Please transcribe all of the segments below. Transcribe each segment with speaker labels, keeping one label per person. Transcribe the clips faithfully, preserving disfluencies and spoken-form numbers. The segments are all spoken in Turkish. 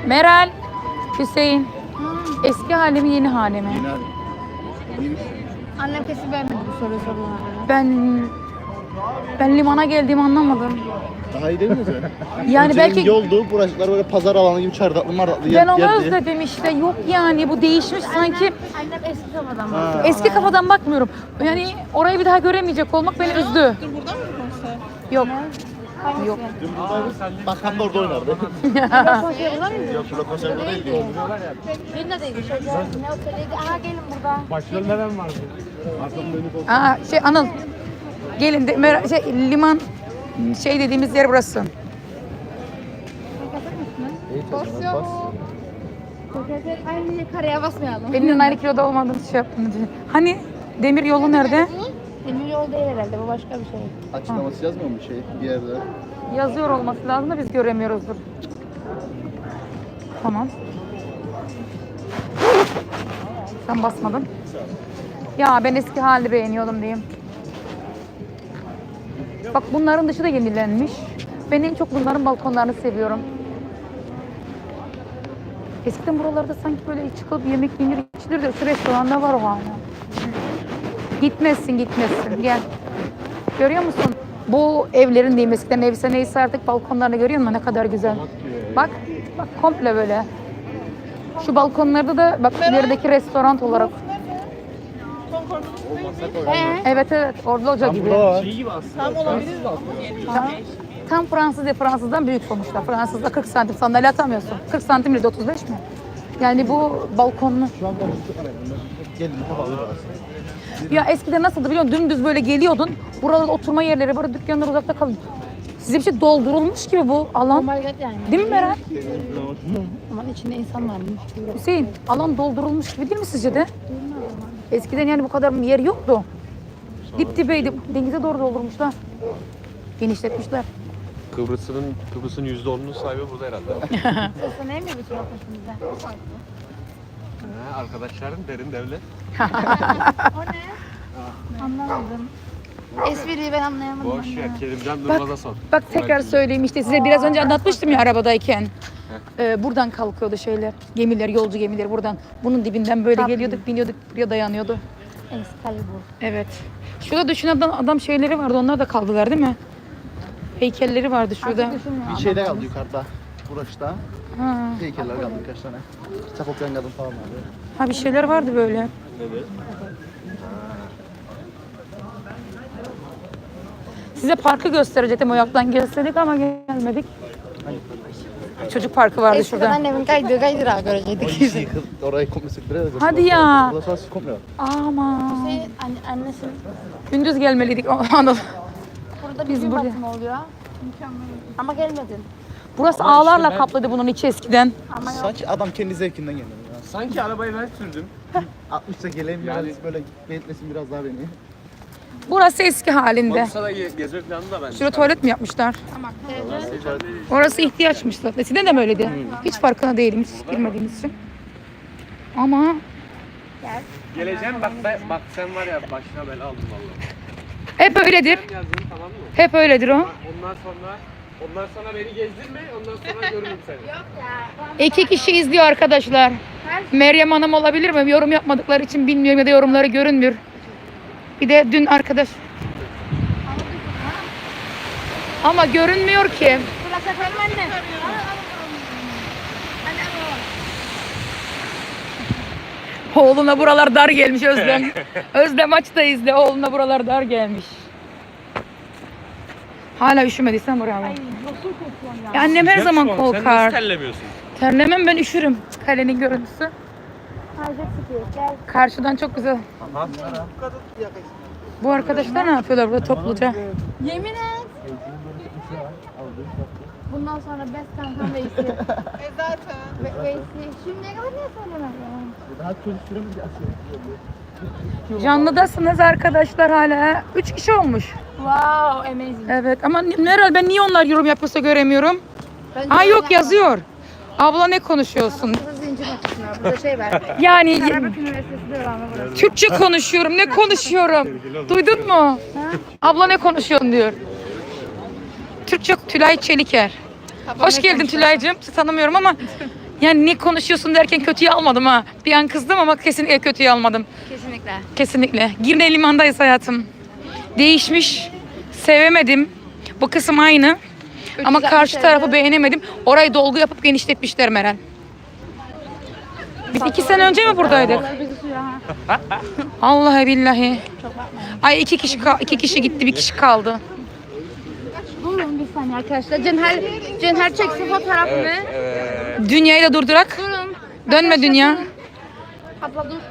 Speaker 1: Meral, Hüseyin. Eski hali mi yeni hali mi?
Speaker 2: Annem kesin beğenmedi bu soruyu soruyorlar.
Speaker 1: Ben ben limana geldiğimi anlamadım.
Speaker 3: Daha iyi değil mi sen?
Speaker 1: Yani
Speaker 3: Önceden
Speaker 1: belki
Speaker 3: yoldu, buracıklar böyle pazar alanı gibi çardaklı mardaklı
Speaker 1: ben onu
Speaker 3: yerdi.
Speaker 1: özledim işte. Yok yani bu değişmiş sanki.
Speaker 2: Annem eski kafadan
Speaker 3: Ha.
Speaker 2: bakıyor.
Speaker 1: Eski kafadan bakmıyorum. Yani orayı bir daha göremeyecek olmak beni üzdü.
Speaker 4: Dur burada mı konser?
Speaker 1: Yok. Yok.
Speaker 3: Dün buradaydı. Bakan da orada oynardı.
Speaker 2: Konser burada mıydı?
Speaker 3: Yok, burada konser burada değildi.
Speaker 2: Benim de değildi. Şöyle ne oteliydi? Aha gelin burada.
Speaker 5: Başlarında ben vardı.
Speaker 1: Aa, şey Anıl. Gelin de, Mer- şey, liman şey dediğimiz yer burası.
Speaker 2: Basıyor mu? Aynı karaya basmayalım.
Speaker 1: Benimle aynı kiloda olmadığını şey yaptım. Hani demir yolu nerede?
Speaker 2: Demir yol değil herhalde. Bu başka bir şey.
Speaker 3: Açıklaması yazmıyor mu şey bir yerde?
Speaker 1: Yazıyor olması lazım da biz göremiyoruzdur. Tamam. Sen basmadın. Ya ben eski halini beğeniyordum diyeyim. Bak bunların dışı da yenilenmiş. Ben en çok bunların balkonlarını seviyorum. Eskiden buralarda sanki böyle çıkıp yemek yenir içilir de şu restoranda var o hala. Gitmezsin gitmezsin gel. Görüyor musun? Bu evlerin diyeyim eskiden evse neyse artık balkonlarını görüyor musun? Ne kadar güzel. Bak, bak komple böyle. Şu balkonlarda da bak ilerideki restoran olarak.
Speaker 2: He?
Speaker 1: Evet evet orada olacak gibi.
Speaker 3: Burada var.
Speaker 5: İyi gibi aslında.
Speaker 4: Tam olabilir mi?
Speaker 1: Tam, tam Fransız ya Fransızdan büyük sonuçta. Fransızda kırk santim sandalye atamıyorsun. kırk santim ile de otuz beş mi? Yani bu balkonlu.
Speaker 3: Şu an konuştuk arayın. Gelin havalı burası.
Speaker 1: Ya eskiden nasıldı biliyor musun? Dümdüz böyle geliyordun. Buralarda oturma yerleri var, dükkanlar uzakta kalın. Size bir şey doldurulmuş gibi bu
Speaker 2: Oh
Speaker 1: alan.
Speaker 2: my god yani.
Speaker 1: Değil mi Meral?
Speaker 2: Ama içinde insan varmış.
Speaker 1: Hüseyin, alan doldurulmuş gibi değil mi sizce de? Eskiden yani bu kadar yer yoktu. Dip dibeydi. Denize doğru doldurmuşlar. Genişletmişler.
Speaker 5: Kıbrıs'ın Kıbrıs'ın yüzde onunun sahibi burada herhalde.
Speaker 2: Sesle ne mi bir şey peşimizde?
Speaker 5: Ha, arkadaşların derin devlet.
Speaker 2: O ne? Anlamadım. Espriyi ben anlayamadım.
Speaker 5: Boş
Speaker 2: anne.
Speaker 5: ver Kerimcan Durmaz'a sor.
Speaker 1: Bak tekrar söyleyeyim işte size biraz önce anlatmıştım ya arabadayken. Ee, buradan kalkıyordu şeyler. Gemiler, yolcu gemileri buradan. Bunun dibinden böyle
Speaker 2: Tabii.
Speaker 1: geliyorduk, biniyorduk, buraya dayanıyordu.
Speaker 2: Excalibur.
Speaker 1: Evet. Şurada düşün adam, adam şeyleri vardı, onlar da kaldılar değil mi? Heykelleri vardı şurada.
Speaker 2: Artık düşünmüyorum.
Speaker 3: Bir şeyde kaldı yukarıda. Burası
Speaker 1: Ha.
Speaker 3: heykeller kaldı birkaç tane. Çapokyan kadın falan vardı.
Speaker 1: ha bir şeyler vardı böyle. Size parkı gösterecektim o yaktan gelseydik ama gelmedik. Çocuk parkı vardı
Speaker 2: Eskiden
Speaker 1: şurada.
Speaker 2: annemin kaydığı kaydırağı görecektik.
Speaker 3: Orayı yıkıl, orayı komple söktüre de.
Speaker 1: Hadi ya.
Speaker 3: Burası nasıl komple var.
Speaker 1: Aman.
Speaker 2: Şey, anne, annesi
Speaker 1: Gündüz gelmeliydik Anıl.
Speaker 2: burada
Speaker 1: Biz
Speaker 2: bir gün
Speaker 1: buraya-
Speaker 2: batımı oluyor. Mükemmel. Ama gelmedin.
Speaker 1: Burası ağlarla kaplıydı bunun içi eskiden.
Speaker 2: Ama yok.
Speaker 3: Sanki adam kendi zevkinden geliyor ya.
Speaker 5: Sanki arabayı ben sürdüm.
Speaker 3: altmışta geleyim
Speaker 5: Yani-
Speaker 3: biraz böyle belirtmesin biraz daha beni.
Speaker 1: Burası eski halinde.
Speaker 5: Bursa'da ge- gezme planı da ben.
Speaker 1: Şurada tuvalet mi yapmışlar? Orası ihtiyaçmış zaten. Eskiden de mi öyleydi? Hiç farkına değilim, hiç girmediğimiz için. Ama
Speaker 5: Geleceğim bak ben, bak sen var ya başına bela aldın vallahi.
Speaker 1: hep öyledir.
Speaker 5: Sen yazdın tamam mı?
Speaker 1: Hep öyledir o.
Speaker 5: Ondan sonra ondan sonra beni gezdirme ondan sonra görürüm seni.
Speaker 1: İki kişi izliyor arkadaşlar. Meryem Hanım olabilir mi? Yorum yapmadıkları için bilmiyorum ya da yorumları görünmüyor. Bir de dün arkadaş. Ama görünmüyor ki.
Speaker 2: Burası efendim anne.
Speaker 1: Oğluna buralar dar gelmiş Özlem. Özlem aç da izle. Oğluna buralar dar gelmiş. Hala üşümediysen buraya bak. Ya annem her zaman
Speaker 5: Sen nasıl
Speaker 1: korkar.
Speaker 5: terlemiyorsun?
Speaker 1: Terlemem ben üşürüm. Kalenin görüntüsü.
Speaker 2: Harcak sıkıyor. Gel.
Speaker 1: Karşıdan çok güzel. Bu arkadaşlar ne yapıyorlar burada topluca?
Speaker 2: Yemin et. Bundan sonra best kankam Veysi.
Speaker 4: E zaten.
Speaker 2: Ve- Veysi. Şimdiye kadar niye söylemedin?
Speaker 3: Daha çocuk süremiz ya.
Speaker 1: Canlıdasınız arkadaşlar hala. Üç kişi olmuş.
Speaker 2: Wow, amazing.
Speaker 1: Evet ama herhalde ben niye onlar yorum yapıyorsa göremiyorum.
Speaker 2: Bence
Speaker 1: Ha yok
Speaker 2: öyle
Speaker 1: yazıyor. Abla ne konuşuyorsun?
Speaker 2: yapma. Burada zincir makinesi var. Burada şey var.
Speaker 1: Yani
Speaker 2: Karabük Üniversitesi de var burası.
Speaker 1: Türkçe konuşuyorum. Ne konuşuyorum? Duydun mu? Abla ne konuşuyorsun diyor. Türkçe Tülay Çeliker. Hoş geldin Tülay'cığım. Sizi tanımıyorum ama Yani ne konuşuyorsun derken kötüye almadım ha. Bir an kızdım ama kesinlikle kötüye almadım.
Speaker 2: Kesinlikle.
Speaker 1: Kesinlikle. Girne limandayız hayatım. Değişmiş. Sevemedim. Bu kısım aynı. Ama karşı tarafı beğenemedim. Orayı dolgu yapıp genişletmişler Meral. Biz iki sene önce mi buradaydık? Vallahi billahi. Ay iki kişi ka- iki kişi gitti, bir kişi kaldı.
Speaker 2: Durun bir saniye arkadaşlar. Cenher, Cenher çeksin fotoğrafını.
Speaker 1: Dünyayı da durdurak.
Speaker 2: Durun.
Speaker 1: Dönme dünya.
Speaker 2: Abla dur.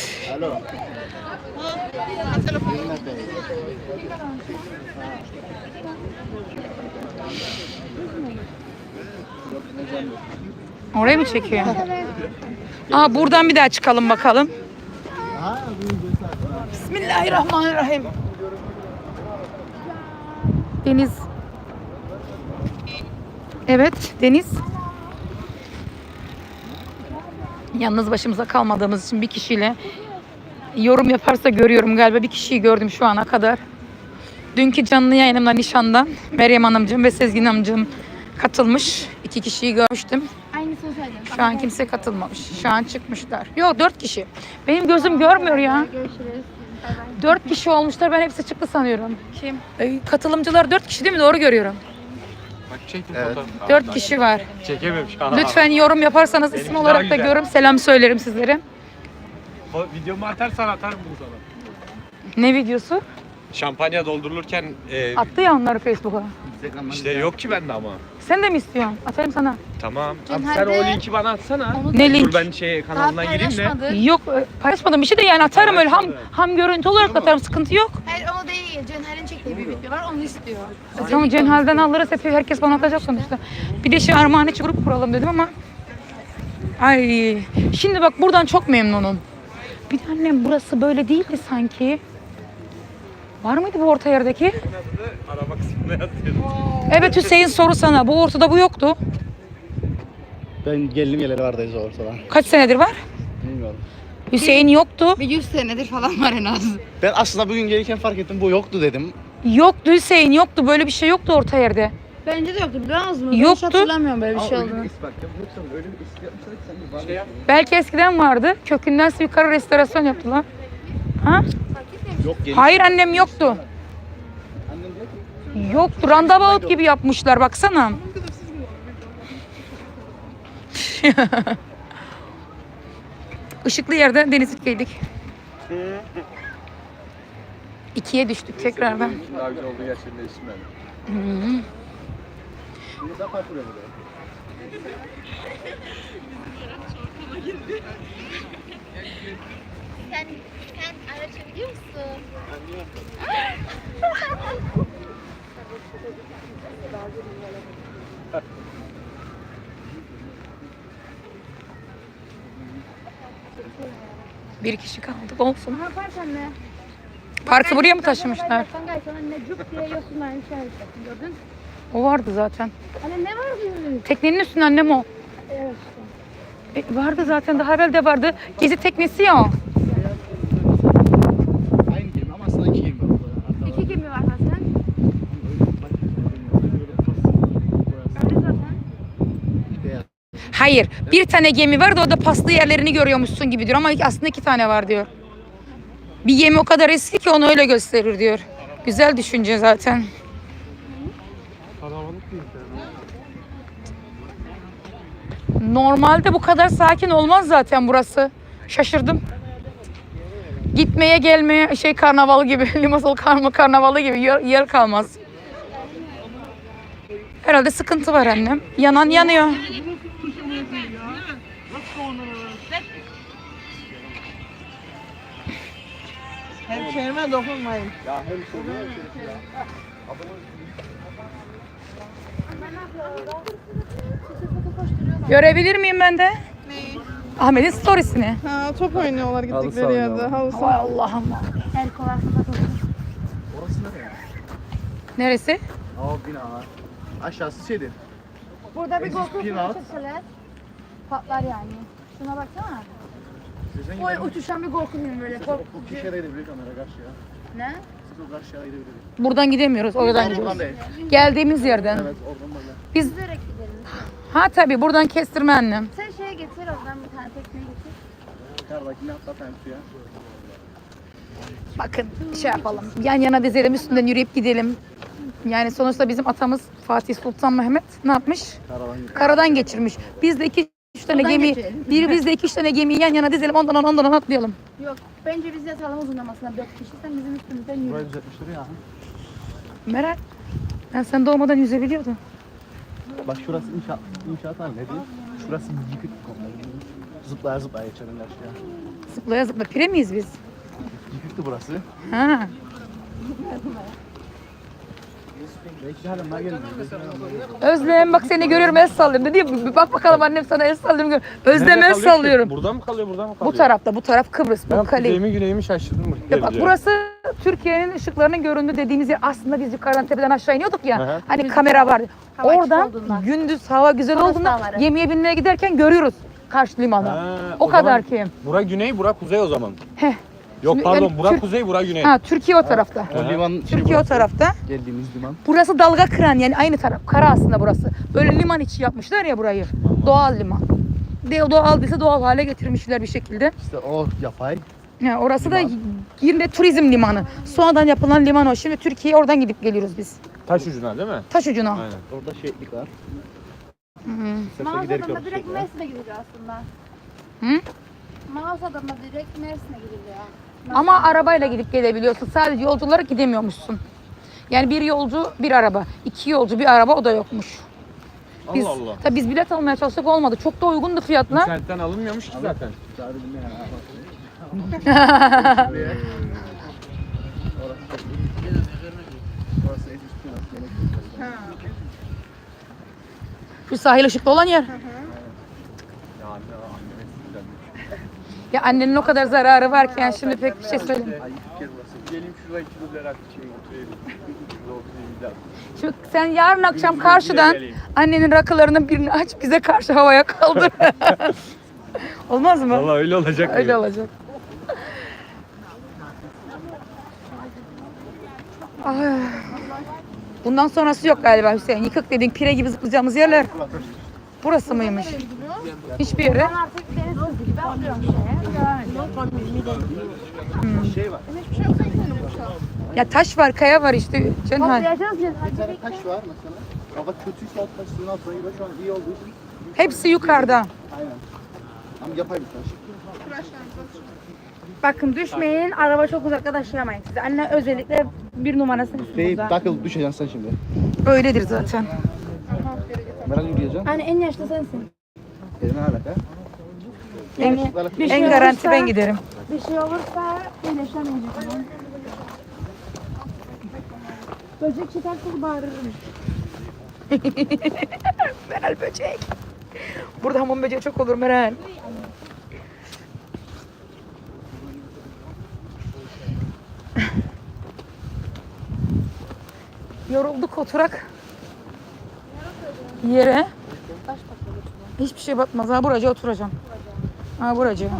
Speaker 1: Oraya mı çekiyor? Aa buradan bir daha çıkalım bakalım. Bismillahirrahmanirrahim. Deniz. Evet, deniz. Yalnız başımıza kalmadığımız için bir kişiyle yorum yaparsa görüyorum galiba. Bir kişiyi gördüm şu ana kadar. Dünkü canlı yayınımda nişandan Meryem Hanımcığım ve Sezgin Hanımcığım katılmış. İki kişiyi görmüştüm.
Speaker 2: Aynısını söyledim.
Speaker 1: Şu an kimse katılmamış. Şu an çıkmışlar. Yok dört kişi. Benim gözüm görmüyor ya.
Speaker 2: Görüşürüz. Bay bay.
Speaker 1: Dört kişi olmuşlar. Ben hepsi çıktı sanıyorum. Kim? Ee, katılımcılar dört kişi değil mi? Doğru görüyorum.
Speaker 5: Bak çektim
Speaker 3: Evet.
Speaker 5: fotoğrafı.
Speaker 1: Dört kişi var.
Speaker 5: Çekememiş. Ha.
Speaker 1: Lütfen yorum yaparsanız isim
Speaker 5: Benimki
Speaker 1: olarak
Speaker 5: daha
Speaker 1: da
Speaker 5: güzel.
Speaker 1: görürüm. Selam söylerim sizlere.
Speaker 5: O videomu atarsan atarım bunu sana.
Speaker 1: Ne videosu?
Speaker 5: Şampanya doldurulurken e,
Speaker 1: Attı ya onları Facebook'a.
Speaker 5: işte yok ki bende ama.
Speaker 1: Sen de mi istiyorsun? Atayım sana.
Speaker 5: Tamam. Abi
Speaker 2: Cenher
Speaker 5: sen o
Speaker 2: de-
Speaker 5: linki bana atsana.
Speaker 1: Ne link?
Speaker 5: Dur ben şey
Speaker 2: Daha
Speaker 5: kanalına gireyim de.
Speaker 2: paylaşmadık.
Speaker 1: Yok e, paylaşmadım bir şey de yani atarım öyle ham ham görüntü olarak da atarım, sıkıntı yok.
Speaker 2: Hayır o değil. Cenher'in çektiği bir video var. Onu istiyor.
Speaker 1: Tamam Cenhal'den alırız, hep herkes bana atacak sonuçta. Bir de şey Armağan içi grup kuralım dedim ama. Ay şimdi bak buradan çok memnunum. Bir de annem burası böyle değildi sanki. Var mıydı bu orta yerdeki?
Speaker 5: Araba kısmına yazıyorum.
Speaker 1: Evet Hüseyin soru sana. Bu ortada bu yoktu.
Speaker 3: Ben geldim geleli vardayız ortada.
Speaker 1: Kaç senedir var?
Speaker 3: Bilmiyorum.
Speaker 1: Hüseyin yoktu.
Speaker 2: Bir yüz senedir falan var en az.
Speaker 3: Ben aslında bugün gelirken fark ettim bu yoktu dedim.
Speaker 1: Yoktu Hüseyin yoktu. Böyle bir şey yoktu orta yerde.
Speaker 2: Bence de yoktu biliyor musun?
Speaker 1: Yoktu.
Speaker 2: Hiç hatırlamıyorum böyle bir şey olduğunu.
Speaker 5: Şey yap.
Speaker 1: Belki eskiden vardı. Kökünden yukarı restorasyon yaptılar. Ha?
Speaker 3: Yok gelin.
Speaker 1: Hayır annem yoktu. Yoktu. Randabout gibi yapmışlar baksana. Işıklı yerde Denizli'deydik. İkiye düştük tekrardan.
Speaker 5: Daha güzel oldu gerçekten isim ben.
Speaker 1: Hı-hı.
Speaker 2: Sen, sen araç biliyor musun?
Speaker 1: Bir kişi kaldık olsun.
Speaker 2: Ne yaparsan ne?
Speaker 1: Parkı buraya mı taşımışlar?
Speaker 2: Sen gayet sana ne cüp diye yosunlar bir şey yapacaksın gördün.
Speaker 1: O vardı zaten.
Speaker 2: Hani ne var diyorsun?
Speaker 1: Teknenin üstünde annem o.
Speaker 2: Evet.
Speaker 1: E, vardı zaten, daha evvel de vardı. Gezi teknesi ya o.
Speaker 3: Aynı gemi ama aslında iki gemi var orada. Hatta
Speaker 2: İki gemi var Hasan. Öyle zaten.
Speaker 3: beyaz.
Speaker 1: Hayır, bir tane gemi var da o da paslı yerlerini görüyormuşsun gibi diyor ama aslında iki tane var diyor. Bir gemi o kadar eski ki onu öyle gösterir diyor. Güzel düşünce zaten.
Speaker 5: Kalabalık değil.
Speaker 1: Normalde bu kadar sakin olmaz zaten burası. Şaşırdım. Gitmeye gelmeye şey karnavalı gibi, Limassol karma karnavalı gibi yer, yer kalmaz. Herhalde sıkıntı var annem. Yanan yanıyor.
Speaker 4: Hemşehrime dokunmayın.
Speaker 1: Görebilir miyim ben de?
Speaker 4: Neyi?
Speaker 1: Ahmet'in storiesini.
Speaker 4: Ha, top oynuyorlar gittikleri yerde. Halı
Speaker 1: Hay
Speaker 4: saha.
Speaker 1: Allah'ım.
Speaker 2: El kolasında tutun.
Speaker 3: Orası nereye? Aa
Speaker 1: Neresi?
Speaker 3: bina. Aşağısı şeydir.
Speaker 2: Burada bir
Speaker 3: Eski
Speaker 2: GoPro
Speaker 3: spin-out.
Speaker 2: çekseler patlar yani. Şuna baksana.
Speaker 3: Sizin
Speaker 2: O uçuşan bir GoPro film böyle. Kork-
Speaker 3: o kişiye gidebilir kamera karşıya.
Speaker 2: Ne?
Speaker 3: Siz o karşıya gidebiliriz.
Speaker 1: Buradan gidemiyoruz. Oradan gidiyoruz.
Speaker 3: Oradan değil.
Speaker 1: Geldiğimiz yerden.
Speaker 3: Evet oradan böyle.
Speaker 1: Biz
Speaker 2: Yüzerek gidelim.
Speaker 1: ha tabii buradan kestirme annem.
Speaker 2: Sen getir oradan bir tane tekne getir.
Speaker 3: Yukarıdakini atlatayım suya.
Speaker 1: Bakın şey yapalım. Yan yana dizelim, üstünden yürüyüp gidelim. Yani sonuçta bizim atamız Fatih Sultan Mehmet ne yapmış?
Speaker 3: Karavan
Speaker 1: Karadan geçirmiş. Biz de iki üç tane
Speaker 2: Oradan
Speaker 1: gemi,
Speaker 2: geçirelim.
Speaker 1: bir biz de iki üç tane gemiyi yan yana dizelim. Ondan ondan ondan atlayalım.
Speaker 2: Yok bence biz yatalım uzunlamasına dört kişi. Sen bizim üstümüzden yürü.
Speaker 3: burayı düzeltmişler ya.
Speaker 1: Meral, ben sen doğmadan yüzebiliyordum.
Speaker 3: Bak şurası inşaat, inşaat var ne diyeyim? Şurası yıkık komple. Zıplaya zıplaya geçelim karşıya.
Speaker 1: Zıplaya zıpla. Pire miyiz biz?
Speaker 3: Yıkıktı burası.
Speaker 1: Ha.
Speaker 3: Belki de hala bunlar gelmiyor.
Speaker 1: Özlem bak seni görüyorum el sallıyorum dedi ya, bir bak bakalım annem sana el sallıyorum. gör- Özlem el sallıyorum.
Speaker 5: Burada mı kalıyor, burada mı kalıyor?
Speaker 1: Bu tarafta, bu taraf Kıbrıs,
Speaker 5: Ben
Speaker 1: bu kale.
Speaker 5: kuzeyimi güneyimi şaşırdım.
Speaker 1: Ya bak burası Türkiye'nin ışıklarının göründüğü dediğimiz yer. Aslında biz yukarıdan tepeden aşağı iniyorduk ya.
Speaker 5: Hı hı.
Speaker 1: Hani kamera vardı.
Speaker 2: Hava açık
Speaker 1: Oradan
Speaker 2: olduğundan.
Speaker 1: gündüz hava güzel
Speaker 2: Toros
Speaker 1: olduğunda
Speaker 2: dağları.
Speaker 1: gemiye binmeye giderken görüyoruz karşı limanı.
Speaker 5: Ha,
Speaker 1: o,
Speaker 5: o
Speaker 1: kadar
Speaker 5: zaman-
Speaker 1: ki.
Speaker 5: Bura güney, bura kuzey o zaman.
Speaker 1: Heh.
Speaker 5: Yok
Speaker 1: Şimdi
Speaker 5: pardon,
Speaker 1: yani
Speaker 5: bura
Speaker 1: Tür-
Speaker 5: kuzey, bura güney.
Speaker 1: Ha Türkiye o tarafta.
Speaker 3: O liman şey
Speaker 1: Türkiye o
Speaker 3: burası.
Speaker 1: tarafta.
Speaker 3: Geldiğimiz liman.
Speaker 1: Burası dalga kıran yani aynı taraf. Kara aslında burası. Böyle liman içi yapmışlar ya burayı. Doğal liman. De doğal değilse doğal hale getirmişler bir şekilde.
Speaker 3: İşte o yapay.
Speaker 1: Yani orası da yine turizm limanı. Sonradan yapılan liman o. Şimdi Türkiye'ye oradan gidip geliyoruz biz.
Speaker 5: Taş ucuna değil mi?
Speaker 1: Taş ucuna.
Speaker 5: Aynen.
Speaker 3: Orada şehitlik var.
Speaker 1: Hı.
Speaker 3: Sefer giderken
Speaker 2: Mağazadan da direkt
Speaker 3: şey var.
Speaker 2: Mersin'e gidiliyor aslında.
Speaker 1: Hı?
Speaker 2: Mağazadan da direkt Mersin'e gidiliyor.
Speaker 1: Ama arabayla gidip gelebiliyorsun. Sadece yolcu olarak gidemiyormuşsun. Yani bir yolcu bir araba. İki yolcu bir araba o da yokmuş. Biz,
Speaker 5: Allah Allah.
Speaker 1: Tabii biz bilet almaya çalıştık olmadı. Çok da uygundu fiyatlar.
Speaker 5: İnternetten alınmıyormuş ki zaten.
Speaker 3: Çağrı dinle yani. Orası en üstü nasıl?
Speaker 1: Şu sahil ışıklı olan yer.
Speaker 3: Ya anne, anneme güzel.
Speaker 1: Ya annenin o kadar zararı varken şimdi pek bir şey söyleyeyim.
Speaker 3: Ay fikir burası. Geleyim şuraya iki duble rakı içeyim, oturayım. Şurada oturayım bir daha.
Speaker 1: Şimdi sen yarın akşam karşıdan annenin rakılarının birini aç bize karşı havaya kaldır. Olmaz mı?
Speaker 5: Vallahi öyle olacak.
Speaker 1: Öyle olacak. Ay. Bundan sonrası yok galiba Hüseyin. Yıkık dediğin pire gibi zıplayacağımız yerler. Burası mıymış? Hiçbir yere.
Speaker 2: Ben artık deniz kızı gibi atlıyorum şeye.
Speaker 3: Şey var.
Speaker 1: Ya taş var, kaya var işte. Cenhal.
Speaker 2: Toplayacağız ya.
Speaker 3: Bir tane taş var mesela. Hava kötüyse alt taş suyun altına giriyor. Şu an iyi olduğu için.
Speaker 1: Hepsi yukarıda.
Speaker 3: Aynen. Ama yapay bir taş.
Speaker 2: Bakın düşmeyin. Araba çok uzakta taşıyamayın size. Anne özellikle bir numarasını
Speaker 3: Değil,
Speaker 2: burada.
Speaker 3: takıl düşeceksin sen şimdi.
Speaker 1: Öyledir zaten.
Speaker 3: Meral yürüyeceksin.
Speaker 2: Anne en yaşlı sensin.
Speaker 3: Eline alaka.
Speaker 1: En,
Speaker 2: Bir şey
Speaker 1: en garanti
Speaker 2: olursa-
Speaker 1: ben giderim.
Speaker 2: Bir şey olursa iyileşemeyecek. Böcek çıkarsa bağırırım.
Speaker 1: Meral böcek. Burada hamam böceği çok olur Meral. Yorulduk oturak. Yere. Hiçbir şey batmaz. Ha buracıya oturacağım. Ha buracıya.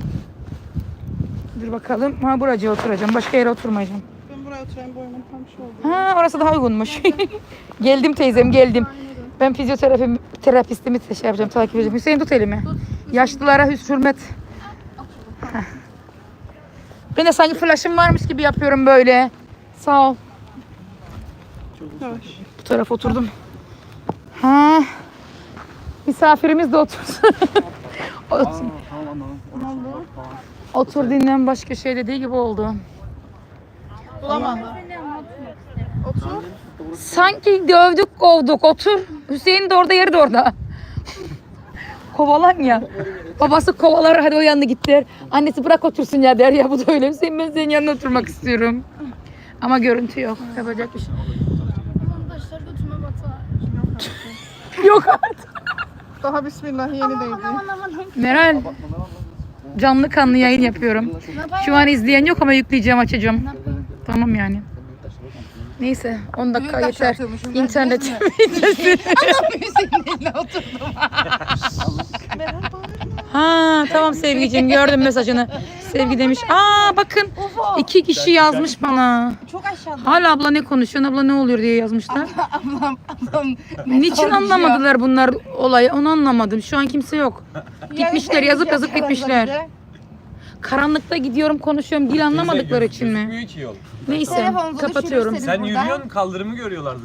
Speaker 1: Dur bakalım. Ha buracıya oturacağım. Başka yere oturmayacağım.
Speaker 4: Ben buraya oturayım boynum tam şey oldu.
Speaker 1: Ha orası daha uygunmuş. Geldim teyzem geldim. Ben fizyoterapi terapistimi şey yapacağım, takip edeceğim. Hüseyin tut elimi. Yaşlılara hüs hürmet. Heh. Ben de sanki flaşım varmış gibi yapıyorum böyle. Sağ ol.
Speaker 4: Yavaş.
Speaker 1: Bu tarafa oturdum. Ha. Misafirimiz de otursun. Otur,
Speaker 3: Tamam tamam.
Speaker 1: otur dinlen başka şey dediği gibi oldu.
Speaker 4: Bulamadım. Otur.
Speaker 1: Sanki dövdük kovduk otur. Hüseyin de orada yeri de orada. Kovalan ya. Babası kovalar hadi o yanına git der. Annesi bırak otursun ya der ya bu da öyle. Hüseyin ben senin yanına oturmak istiyorum. Ama görüntü yok. Yapacak bir şey.
Speaker 2: Taşlar götüme batar.
Speaker 1: Yok artık.
Speaker 4: Daha bismillah yeni değdi.
Speaker 2: Aman aman.
Speaker 1: Meral canlı kanlı yayın yapıyorum. Şu an izleyen yok ama yükleyeceğim açacağım. Tamam yani. Neyse on dakika
Speaker 4: Büyük
Speaker 1: yeter.
Speaker 4: aşağıtıyormuşum, ben
Speaker 1: İnternet. Ha tamam Sevgiciğim gördüm mesajını. Sevgi demiş. Aa bakın iki kişi yazmış bana.
Speaker 2: Çok aşağı aşağıda.
Speaker 1: Hala abla ne konuşuyorsun, abla ne oluyor diye yazmışlar.
Speaker 2: Ablam, ablam.
Speaker 1: Niçin anlamadılar bunlar olayı, onu anlamadım. Şu an kimse yok. Gitmişler, yazıp yazıp gitmişler. Karanlıkta gidiyorum, konuşuyorum, dil anlamadıkları için mi?
Speaker 5: Gözükmüyor ki yol.
Speaker 1: Neyse,
Speaker 2: Telefonunuzu
Speaker 1: kapatıyorum.
Speaker 2: düşürürseniz
Speaker 5: Sen
Speaker 2: buradan-
Speaker 5: yürüyorsun, kaldırımı görüyorlar.